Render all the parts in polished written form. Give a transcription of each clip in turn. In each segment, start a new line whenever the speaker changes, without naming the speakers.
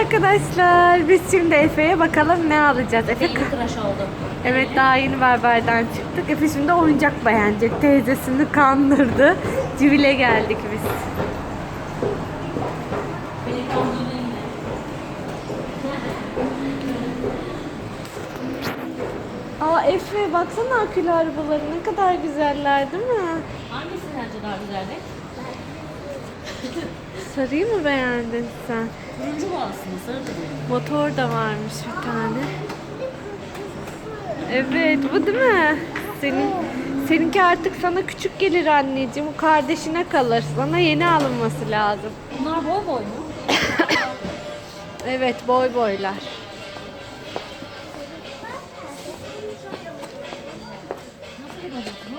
arkadaşlar. Biz şimdi Efe'ye bakalım ne alacağız. Efe
Yeni tıraş oldu.
evet, daha yeni berberden çıktık. Efe şimdi oyuncak beğenecek. Teyzesini kandırdı. Civile geldik biz. Aa Efe, baksana akülü arabaları ne kadar güzeller değil mi?
Hangisi sence daha güzeldi?
Sarıyı mı beğendin sen?
Turuncu bu aslında, sarı da değil.
Motor da varmış bir tane. Evet, bu değil mi? Seninki artık sana küçük gelir anneciğim. O kardeşine kalır. Sana yeni alınması lazım.
Bunlar boy boy mu?
Evet, boy boylar.
Nasıl bir robot bu?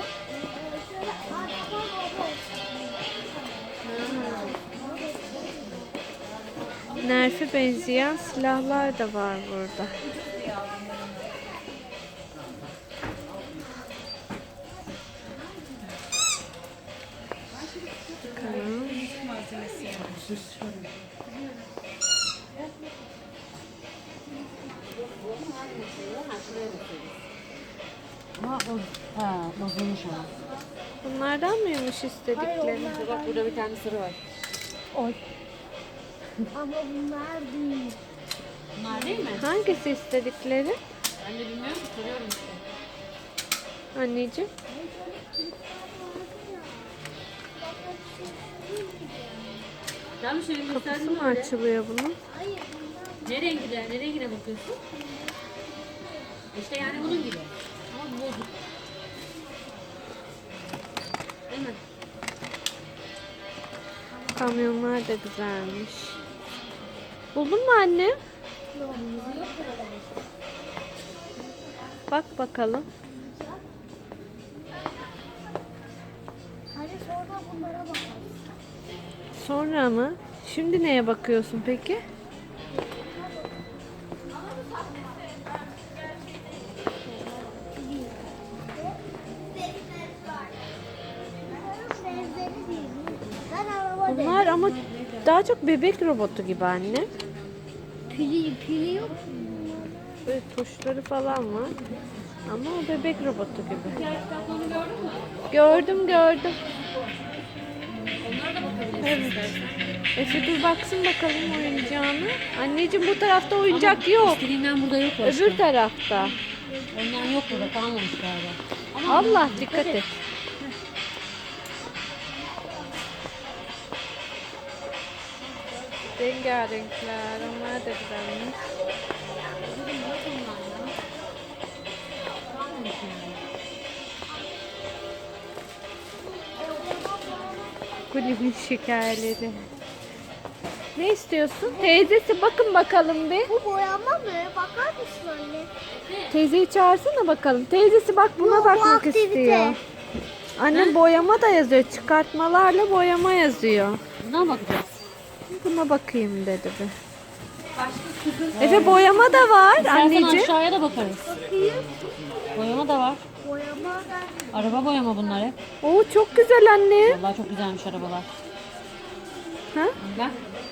Nerf'e benzeyen silahlar da var burada. Bakalım.
Bozulmuş ama.
Bunlardan mıymış istedikleri?
Bak burada bir tane sarı var.
Oy.
Ama bunlar değil.
Bunlar değil mi?
Hangisi istedikleri?
Ben de bilmiyorum ki, soruyorum işte.
Anneciğim.
Ben bir şey
Kapısı
gösterdim
mı
böyle.
açılıyor bunun?
Ne rengine, ne rengine bakıyorsun? İşte yani bunun gibi. Ama bu bozuk. Değil mi?
Kamyonlar da güzelmiş. Buldun mu anne? Bak bakalım.
Hadi sonra bunlara bakalım.
Sonra mı? Şimdi neye bakıyorsun peki?
Benzeri değil. Ben araba
Bunlar ama daha çok bebek robotu gibi anne.
pili yok.
Böyle tuşları falan var. Ama o bebek robotu gibi.
Hikaye kitaplarını gördün mü?
Gördüm.
Onlara da bakabilirsin
Evet.
istersen.
Efe dur baksın bakalım oyuncağını. Anneciğim bu tarafta oyuncak yok.
İstediğinden burada yok başka.
Öbür tarafta.
Ondan yok burada, kalmamış galiba. Ama
Allah dikkat et. Rengarenkler. Onlar da güzelmiş. Kulübün şekerleri. Ne istiyorsun? Teyzesi bakın bakalım bir.
Bu boyama mı? Bakar mısın anne?
Teyzeyi çağırsana bakalım. Teyzesi bak buna
Bu
bakmak
aktivite.
istiyor. Annem boyama da yazıyor. Çıkartmalarla boyama yazıyor.
Buna bakacağız.
Buna bakayım dedi bir. Efe boyama da var
İstersen
anneciğim.
aşağıya da bakarız. Boyama da var.
Boyama
Araba boyama bunlar hep.
Oo çok güzel anne.
Vallahi çok güzelmiş arabalar.
Ha?
Bak.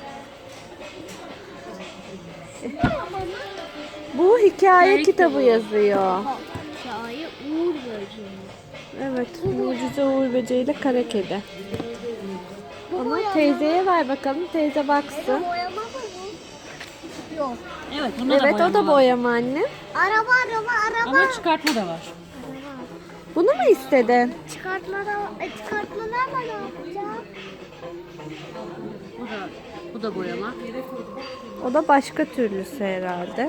Bu hikaye
Hikaye
kitabı
kitabı.
yazıyor.
hikaye Uğur Böceği.
Evet, Mucize Uğur Böceği ile Kara Kedi. Ama teyzeye ver bakalım, teyze baksın.
Boyama mı bu? Yok.
Evet, bunda da
Evet,
boyama
o da
var.
boyama anne.
Araba.
Ama çıkartma da var.
Bunu mu istedin?
Çıkartmalarla ne yapacağım?
Bu da boyama.
O da başka türlüsü herhalde.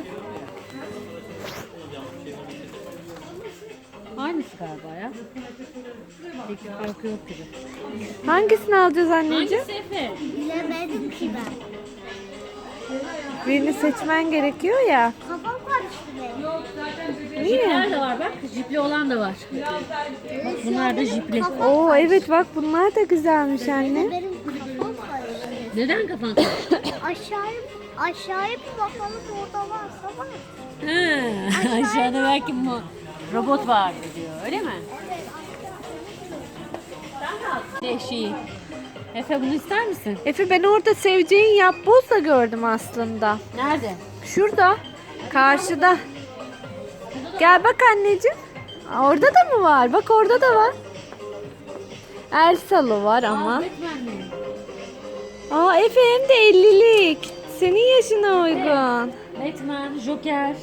Aynısı galiba ya. Pek bir farkı yok gibi.
Hangisini alacağız anneciğim?
Hangisi Efe?
Bilemedim ki ben.
Birini seçmen gerekiyor ya.
Kafam karıştı benim.
Jipler de var bak. Jipli olan da var. Bak bunlar da jipli.
Oo evet bak bunlar da güzelmiş anne.
Benim kafam karıştı.
Neden kafan karıştı?
Aşağıya bir bakalım orada varsa var.
Ha, aşağıda belki robot var diyor. Öyle mi?
Evet.
Şey. Efe bunu ister misin?
Efe ben orada seveceğin yapboz da gördüm aslında.
Nerede?
Şurada. Karşıda. Gel bak anneciğim. Aa, orada da mı var? Bak orada da var. Elsa'lı var ama.
Batman'li.
Aa Efe hem de 50'lik. Senin yaşına uygun.
Batman, Joker.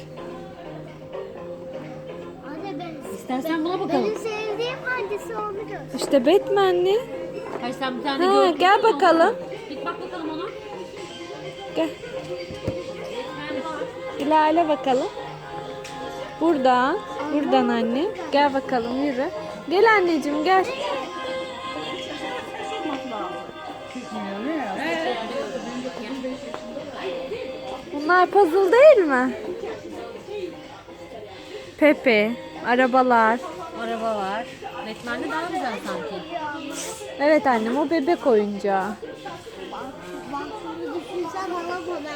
Anne ben
İstersen buna bakalım.
benim sevdiğim hangisi onu göster.
İşte Batman'li.
Hayır sen bir tane
Ha,
gördün.
gel
mü onu?
bakalım.
Git bak bakalım ona.
Gel.
Batman'li var.
İlerle bakalım. Buradan. Buradan anne. Gel bakalım yürü. Gel anneciğim gel. Bunlar puzzle değil mi? Pepe, arabalar.
Araba var. Batman'li daha güzel sanki.
Evet annem o bebek oyuncağı.
Bak şunu düşünsen bana bana.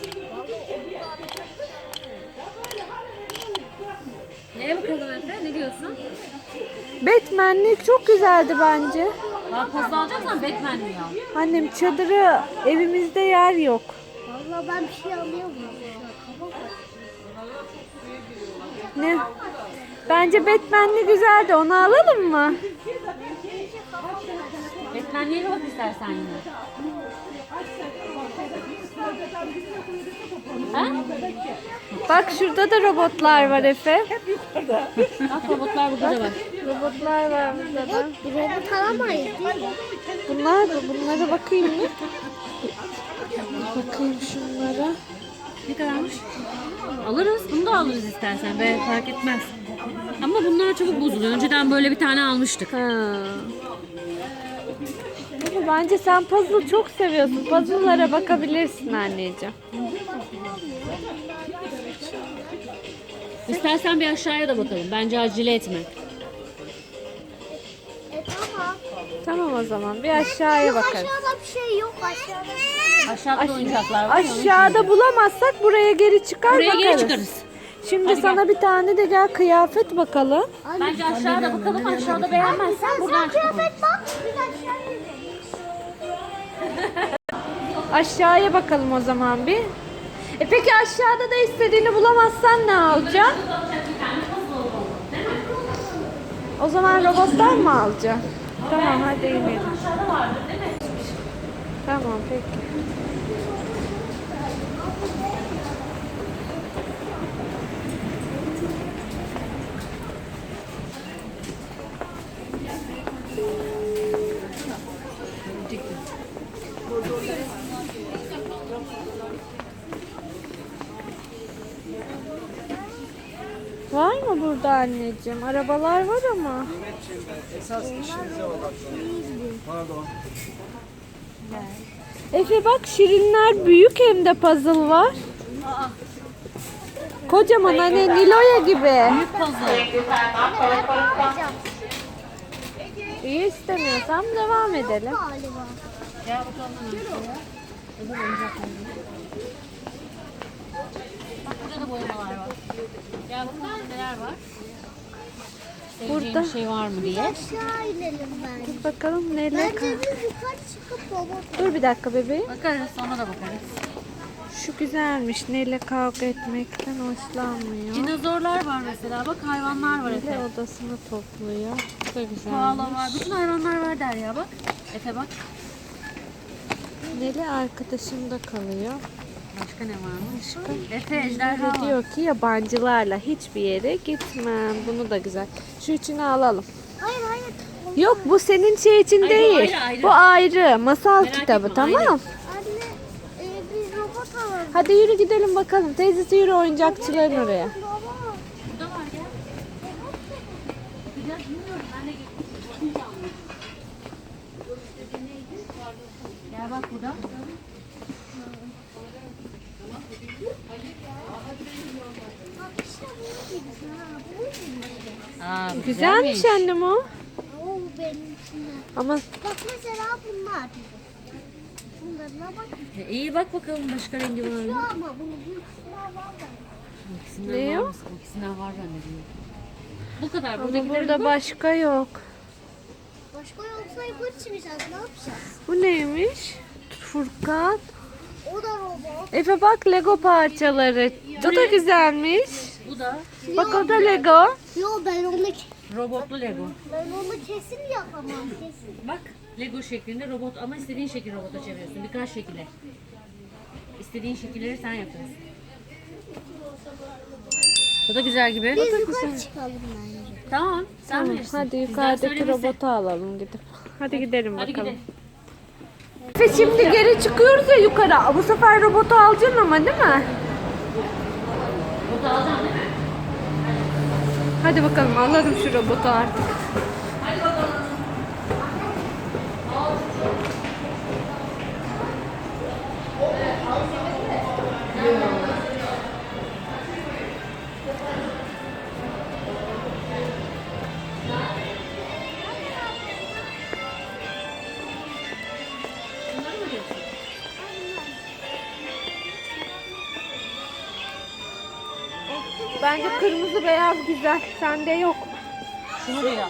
Neye bakalım Efe? Ne diyorsun?
Batman'lik çok güzeldi bence.
Bak poz alacaksan Batman'li al.
Annem çadırı evimizde yer yok.
Valla ben bir şey alıyorum.
Ne? Bence Batman'li güzeldi. Onu alalım mı?
Batman'liye bak istersen yine. Ha?
Bak şurada da robotlar var Efe.
Bak robotlar burada da var.
Robotlar var burada da.
Bu robot alamayız değil mi?
Bunlara bakayım mı? Bakayım şunlara.
Ne kadarmış? Alırız. Bunu da alırız istersen. Be fark etmez. Ama bunlar çabuk bozuluyor. Önceden böyle bir tane almıştık.
Ha. Ama bence sen puzzle çok seviyorsun. Puzzle'lara bakabilirsin anneciğim.
İstersen bir aşağıya da bakalım. Bence acele etme.
Tamam.
Tamam o zaman bir aşağıya bakarız.
Aşağıda bir şey yok aşağıda.
Aşağıda da oyuncaklar var. ya, onun için
Aşağıda
diyorum.
bulamazsak buraya geri çıkar
Buraya
bakarız.
geri çıkarız.
Şimdi
Hadi
sana bir tane de gel kıyafet bakalım.
Bence aşağıda bakalım. Aşağıda beğenmezsen buradan çıkalım.
Kıyafet bak. Biz aşağıya gidelim.
Aşağıya bakalım o zaman bir. Peki aşağıda da istediğini bulamazsan ne alacaksın? O zaman robottan mı alacaksın? Tamam hadi inelim. Tamam peki. Var mı burada anneciğim? Arabalar var ama. Efe bak şirinler büyük hem de puzzle var. Kocaman hani Nilo'ya gibi.
Büyük puzzle.
İyi istemiyorsam devam edelim.
Galiba.
Gel bakalım aşağıya. Öbür oyuncaklar. Bak burada da boyamalar var. Gel bakalım neler var. Seveceğin
Burada.
bir şey var mı diye.
Aşağı inelim bence.
Bakalım neyle
Bence biz yukarı çıkıp robot.
Dur bir dakika bebeğim.
Bakarız sonra da bakarız.
Şu güzelmiş. Neyle kavga etmekten hoşlanmıyor.
Dinozorlar var mesela. Bak hayvanlar var Efe.
Neyle odasını topluyor. Bu da
Koala
güzelmiş.
var. Bütün hayvanlar var Derya bak. Efe bak.
Neli arkadaşımda kalıyor.
Başka ne varmış? Efe ejderha
Neli
var.
diyor ki yabancılarla hiçbir yere gitmem. Bunu da güzel. Şu üçünü alalım.
Hayır hayır.
Yok bu senin şey için
Hayır, bu
değil.
ayrı, ayrı.
Bu ayrı. Masal
Merak
kitabı
etme,
tamam.
ayrı.
Anne biz robot alalım.
Hadi yürü gidelim bakalım. Teyzesi yürü oyuncakçıların oraya.
Baba.
Burada var gel. Bakacağız bilmiyorum. Ben de gittim. Gel bak burada.
Bak işte bu gibi. Ha, bu gibi.
Aa, bu
Güzelmiş annem o.
Oo benim içinde.
Ama
Bak mesela bunlar. Bunlarına bak.
İyi bak bakalım başka rengi var
Şu
mı?
ama bunu büyüksünler var da.
İkisinden
Ne
var
o?
mı? İkisinden var bende diyor. Bu kadar.
ama
Buradakilerin
burada
bu.
başka yok.
Başka yoksa yukarı çıkacağız. Ne yapacağız?
Bu neymiş? Furkan.
O da robot.
Efe bak Lego parçaları. Bu da güzelmiş.
Bu da
Bak o da Lego.
Yo
robotlu Lego.
ben onu kesin yapamam kesin.
Bak Lego şeklinde robot ama istediğin şekil robota çeviriyorsun. Birkaç şekilde. İstediğin şekilleri sen yapıyorsun. Bu da güzel gibi.
Biz yukarı çıkalım bence.
Tamam. Sen
Tamam,
bilirsin.
hadi
Bizden
yukarıdaki
söylemesi.
robotu alalım gidip. Hadi gidelim
Hadi
bakalım.
gidelim.
Efe şimdi geri çıkıyoruz ya yukarı. Bu sefer robotu alacaksın ama değil mi?
Robotu alacaksın değil mi?
Hadi bakalım alalım şu robotu artık.
Hadi bakalım. Bunları mı diyorsun?
Bence kırmızı beyaz güzel. Sende yok.
Şunu diyor.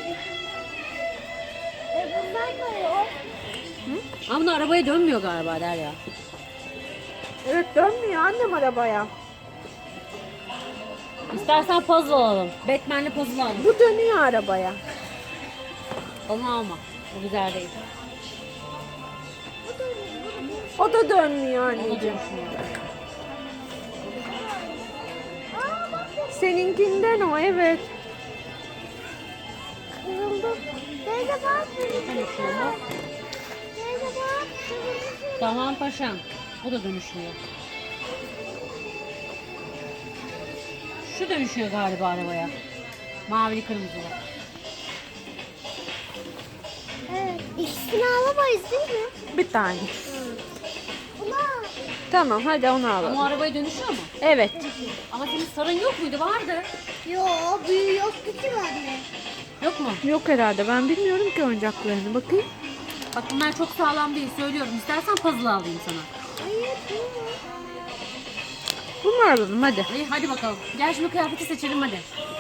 Bunlar da yok.
Ama bunlar arabaya dönmüyor galiba Derya.
Evet dönmüyor annem arabaya.
İstersen puzzle alalım. Batman'li puzzle alalım.
Bu dönüyor arabaya.
Onu alma. O güzel değil.
O da dönmüyor
Onu
anneciğim.
dönüşmüyor.
Seninkinden o evet.
Kırıldı. Teyze bak.
Hani şunu.
Teyze bak.
Tamam paşam. O da dönüşmüyor. Şu dönüşüyor galiba arabaya. Mavili kırmızılı.
Evet. İkisini alamayız değil mi?
Bir tane.
Buna.
Tamam hadi onu
Ama
alalım.
o arabaya dönüşüyor mu?
Evet.
Ama senin sarın yok muydu? Vardı.
Yo büyüğü yoktu ki bende.
Yok mu?
Yok herhalde ben bilmiyorum ki oyuncaklarını bakayım.
Bak bunlar çok sağlam değil söylüyorum. İstersen puzzle alayım sana.
Hayır bu.
Bunu alalım hadi.
İyi hadi bakalım. Gel şimdi kıyafeti seçelim hadi.